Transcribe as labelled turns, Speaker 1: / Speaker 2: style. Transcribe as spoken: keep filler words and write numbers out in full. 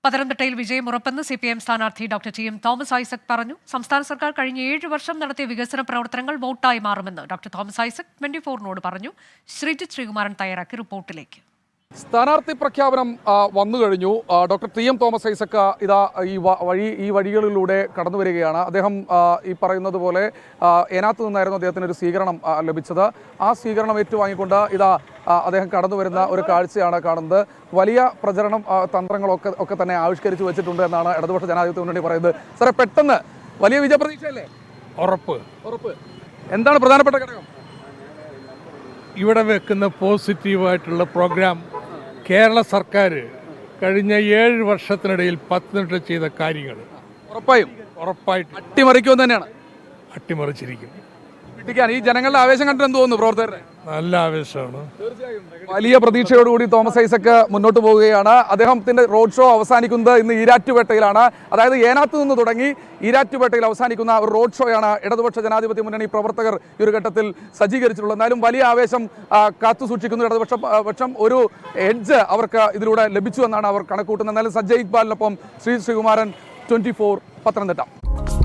Speaker 1: പത്തനംതിട്ടയിൽ വിജയം ഉറപ്പെന്ന് സി പി എം സ്ഥാനാർത്ഥി doctor T M Thomas Isaac പറഞ്ഞു. സംസ്ഥാന സർക്കാർ കഴിഞ്ഞ ഏഴ് വർഷം നടത്തിയ വികസന പ്രവർത്തനങ്ങൾ വോട്ടായി മാറുമെന്ന് ഡോക്ടർ തോമസ് ഐസക് ട്വന്റി ഫോറിനോട് പറഞ്ഞു. ശ്രീജിത്ത് ശ്രീകുമാരൻ തയ്യാറാക്കി റിപ്പോർട്ടിലേക്ക്.
Speaker 2: സ്ഥാനാർത്ഥി പ്രഖ്യാപനം വന്നു കഴിഞ്ഞു. Doctor T M Thomas Isaac ഇതാ ഈ വഴി ഈ വഴികളിലൂടെ കടന്നു വരികയാണ്. അദ്ദേഹം ഈ പറയുന്നത് പോലെ ഏനാത്ത് നിന്നായിരുന്നു അദ്ദേഹത്തിന് ഒരു സ്വീകരണം ലഭിച്ചത്. ആ സ്വീകരണം ഏറ്റുവാങ്ങിക്കൊണ്ട് ഇതാ അദ്ദേഹം കടന്നു വരുന്ന ഒരു കാഴ്ചയാണ് കാണുന്നത്. വലിയ പ്രചരണം തന്ത്രങ്ങളൊക്കെ ഒക്കെ തന്നെ ആവിഷ്കരിച്ചു വെച്ചിട്ടുണ്ട് എന്നാണ് ഇടതുപക്ഷ ജനാധിപത്യ മുന്നണി പറയുന്നത്. സാറേ, പെട്ടെന്ന് വലിയ വിജയപ്രതീക്ഷയല്ലേ?
Speaker 3: ഉറപ്പ്
Speaker 2: ഉറപ്പ് എന്താണ് പ്രധാനപ്പെട്ട ഘടകം?
Speaker 3: ഇവിടെ വെക്കുന്ന പോസിറ്റീവായിട്ടുള്ള പ്രോഗ്രാം കേരള സർക്കാർ കഴിഞ്ഞ ഏഴ് വർഷത്തിനിടയിൽ പത്തനംതിട്ട ചെയ്ത കാര്യങ്ങൾ
Speaker 2: ഉറപ്പായും
Speaker 3: ഉറപ്പായിട്ട്
Speaker 2: അട്ടിമറിക്കുമെന്ന് തന്നെയാണ്.
Speaker 3: അട്ടിമറിച്ചിരിക്കും.
Speaker 2: ഈ ജനങ്ങളുടെ ആവേശം കണ്ടിട്ട് എന്ത് തോന്നുന്നു? പ്രവർത്തകരുടെ
Speaker 3: നല്ല ആവേശമാണ്.
Speaker 2: വലിയ പ്രതീക്ഷയോടുകൂടി തോമസ് ഐസക് മുന്നോട്ട് പോവുകയാണ്. അദ്ദേഹത്തിന്റെ റോഡ് ഷോ അവസാനിക്കുന്നത് ഇന്ന് ഈരാറ്റുപേട്ടയിലാണ്. അതായത് ഏനാത്ത് നിന്ന് തുടങ്ങി ഈരാറ്റുപേട്ടയിൽ അവസാനിക്കുന്ന ഒരു റോഡ് ഷോയാണ് ഇടതുപക്ഷ ജനാധിപത്യ മുന്നണി പ്രവർത്തകർ ഈ ഒരു ഘട്ടത്തിൽ സജ്ജീകരിച്ചിട്ടുള്ളത്. എന്നാലും വലിയ ആവേശം കാത്തു സൂക്ഷിക്കുന്നു ഇടതുപക്ഷ പക്ഷം. ഒരു എഡ്ജ് അവർക്ക് ഇതിലൂടെ ലഭിച്ചു എന്നാണ് അവർ കണക്കൂട്ടുന്നത്. എന്നാലും സജ്ജയ് ഇക്ബാലിനൊപ്പം ശ്രീ ശ്രീകുമാരൻ, ട്വന്റി ഫോർ, പത്തനംതിട്ട.